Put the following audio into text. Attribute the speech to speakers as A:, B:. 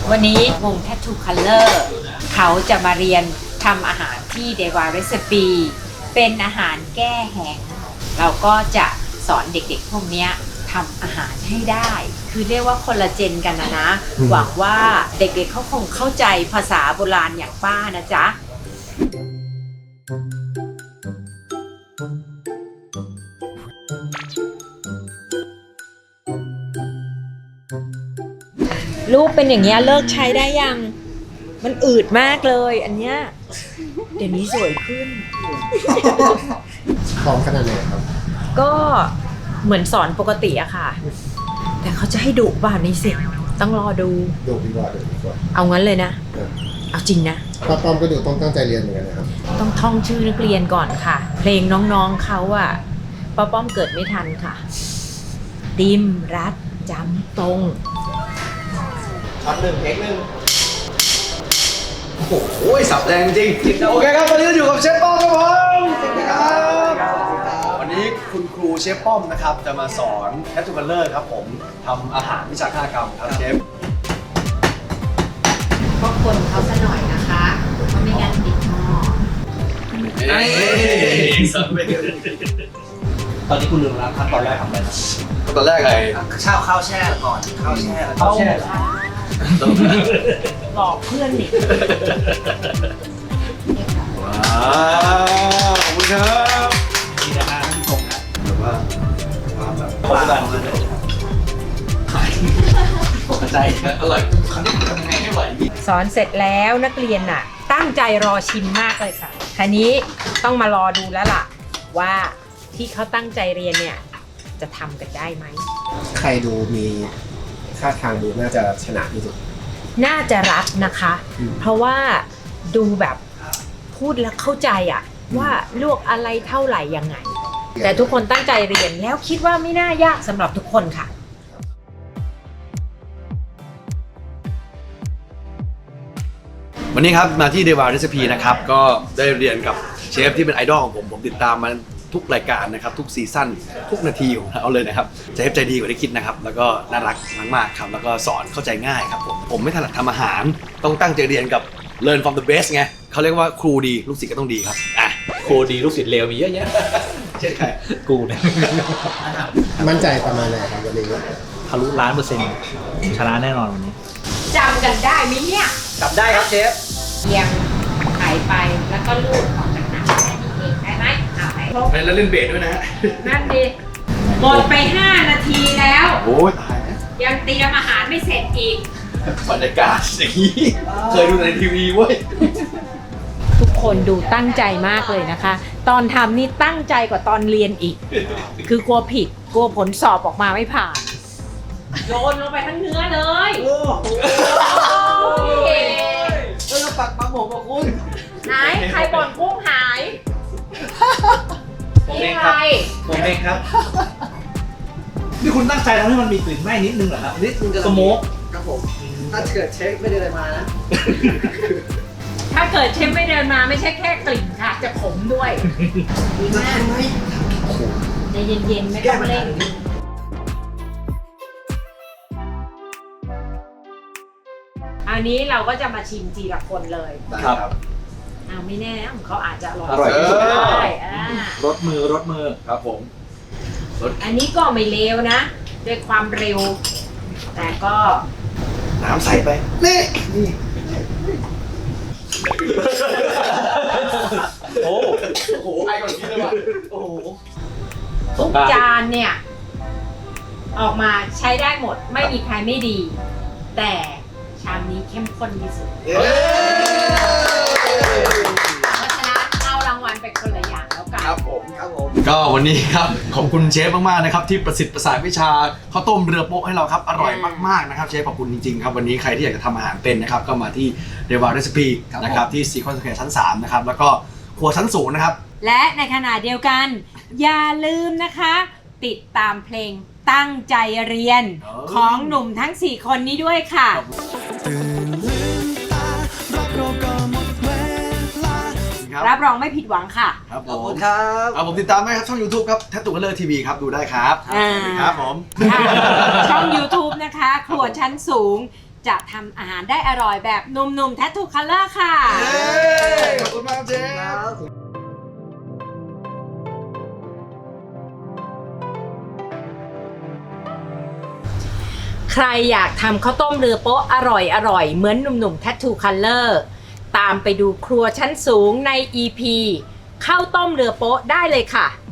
A: วันนี้วง Tattoo Color เขาจะมาเรียนทำอาหารที่ Dewa Recipe เป็นอาหารแก้แห้งเราก็จะสอนเด็กๆพวกนี้ทำอาหารให้ได้ คือเรียกว่าคนละเจนกันนะหวังว่าเด็กๆเขาคงเข้าใจภาษาโบราณอย่างป้านะจ๊ะรูปเป็นอย่างเงี้ยเลิกใช้ได้ยังมันอืดมากเลยอันเนี้ยเดี๋ยวนี้สวยขึ้น
B: พร้อมขนาดไหนครับ
A: ก็เหมือนสอนปกติอะค่ะ แต่เขาจะให้ดุบ้านี่สิต้องรอดู
B: ดูดีกว่าดูดีกว่า
A: เอางั้นเลยนะ เอาจริงนะ
B: ป้าป้อมก็ดูต้องตั้งใจเรียนเหมือนกันนะครับ
A: ต้องท่องชื่อนักเรียนก่อนค่ะ เพลงน้องๆเขาอะป้าป้อมเกิดไม่ทันค่ะ ติมรัดจำตรง
C: ช็อตหนึ่งเทคหนึ่งโอ้โหสับแรงจริงโอเคครับวันนี้เราอยู่กับเชฟป้อมครับผมสวัสดีครับวันนี้คุณครูเชฟป้อมนะครับจะมาสอนแคททูคัลเลอร์ครับผมทำอาหารวิชาฆาตกรรมครับเชฟ
A: ก็คนเขาซะหน่อยนะคะเพราะไม่งั้นติดหม้อ
D: ตอนนี้คุณลืมแล้วขั้นตอนแรกทำอะไรนะ
C: ตอนแรกไง
D: ข้าวแช่ก่อนข้าวแช่แล้วข้าวแช่
A: หลอกเพื่อนนี่
C: ว้าวขอบคุณครับ
D: นี่นะฮะท่านผู้ชมนะ
C: แบบว่าความแบบ
D: ขอบคุณมากเลยตกใจอร่อยครั้งนี้ทำยังไงให้ไหว
A: สอนเสร็จแล้วนักเรียนน่ะ ตั้งใจรอชิมมากเลยค่ะทีนี้ต้องมารอดูแล้วล่ะ ว่าที่เขาตั้งใจเรียนเนี่ยจะทำกันได้ไหม
B: ใครดูมีท่าทางดูน่าจะชนะที่สุด
A: น่าจะรัดนะคะ เพราะว่าดูแบบพูดแล้วเข้าใจอะว่าลวกอะไรเท่าไหร่ยังไง แต่ทุกคนตั้งใจเรียนแล้วคิดว่าไม่น่ายากสำหรับทุกคนค่ะ
C: วันนี้ครับมาที่ Dewa Recipe นะครับก็ได้เรียนกับเชฟที่เป็นไอดอลของผมติดตามมาทุกรายการนะครับทุกซีซั่นทุกนาทีของเขาเลยนะครับเชฟใจดีกว่าที่คิดนะครับแล้วก็น่ารักมากๆครับแล้วก็สอนเข้าใจง่ายครับผมไม่ถนัดทำอาหารต้องตั้งใจเรียนกับ Learn from the best ไงเขาเรียกว่าครูดีลูกศิษย์ก็ต้องดีครับอ่ะ
D: ครูดีลูกศิษย์เลวมีเยอะแยะ
C: เช่นใคร
D: กูเนี่ย
B: มั่นใจประมาณไหนครับวันนี้
D: ทะลุ1,000,000%ชนะแน่นอนวันนี้
A: จำกันได้ไหมเนี่ย
D: จับได้ครับเชฟ
A: เอียงไข่ไปแล้วก็ลูดออกจากน้ำแค่นี้เองได้ไหมเอาไปครบ
C: แล้วเล่นเบสด้วยนะฮะ
A: นั่นดิหมดไป5 นาทีแล้ว
C: โอ้ยตายนะ
A: ยังเตรียมอาหารไม่เสร็จอีก
C: บรรยากาศอย่างนี้เคยดูในทีวีเว้ย
A: ทุกคนดูตั้งใจมากเลยนะคะ ตอนทำนี่ตั้งใจกว่าตอนเรียนอีก คือกลัวผิด กลัวผลสอบออกมาไม่ผ่าน โยนลงไปทั้งเนื้อเลย
D: โอ้โห
A: โอ้ย
D: ปักปลาหมกกับคุณ
A: ไหนใครบ่นกุ้งหาย
D: ผม
A: นี่
D: เอง
A: อะ
D: ค
A: ไร
D: รับผมเองครับนี่คุณตั้งใจทำให้มันมีกลิ่นไหม้นิดนึงเหรอครับนี่สโมก
C: ครับผมถ้าเกิดเชฟไม่ได้อะไรมานะ
A: ถ้าเกิดเชฟไม่เดินมาไม่ใช่แค่กลิ่นค่ะ จะขมด้วยดีมากใจเย็นๆไม่ต้องเร่งอันนี้เราก็จะมาชิมทีละคนเลย
D: ครับ
A: อ้าวไม่แน่นะของเขาอาจจะอร่อย
D: อร่อยที่สุด
A: ก็ได้
D: รสมือ
C: ครับผม
A: อันนี้ก็ไม่เลวนะ ด้วยความเร็ว แต่ก็
C: น้ำใส่ไปนี่
D: โอ้
C: โอ้โหไอ้ก่อนกินเลยว่ะโอ้โห
A: ทุกจานเนี่ย ออกมาใช้ได้หมดไม่มีใครไม่ดี แต่ชามนี้เข้มข้นที่สุด เพราะฉะนั้นเอารางวัลไปคนละอย่างแล้วกัน
C: ครับผมก็วันนี้ครับขอบคุณเชฟมากๆนะครับที่ประสิทธิ์ประสานวิชาข้าวต้มเรือโป๊ะให้เราครับอร่อยมากๆนะครับเชฟขอบคุณจริงๆครับวันนี้ใครที่อยากจะทำอาหารเป็นนะครับก็มาที่ Dewa Recipe นะครับที่ซีคอนสแควร์ชั้น3นะครับแล้วก็ครัวชั้นสูงนะครับ
A: และในขณะเดียวกัน อย่าลืมนะคะ ติดตามเพลงตั้งใจเรียนของหนุ่มทั้ง 4 คนนี้ด้วยค่ะ รับรองไม่ผิดหวังค่ะ
C: ครับผ
D: ขอบคุ
C: ม
D: ณครับ
C: เอาผมติดตามได้ครับช่อง YouTube ครับ Tattoo Color TV ครับดูได้ครับ
A: อ่า
C: ครับผม
A: ค่ะช่อง YouTube นะคะ ครัวชั้นสูงจะทำอาหารได้อร่อยแบบหนุ่มๆ Tattoo Color ค่ะ
C: ขอบคุณมากเชฟ
A: ใครอยากทำข้าวต้มเรือโป๊ะอร่อยเหมือนหนุ่มๆ Tattoo Color ตามไปดูครัวชั้นสูงใน EP ข้าวต้มเรือโป๊ะได้เลยค่ะ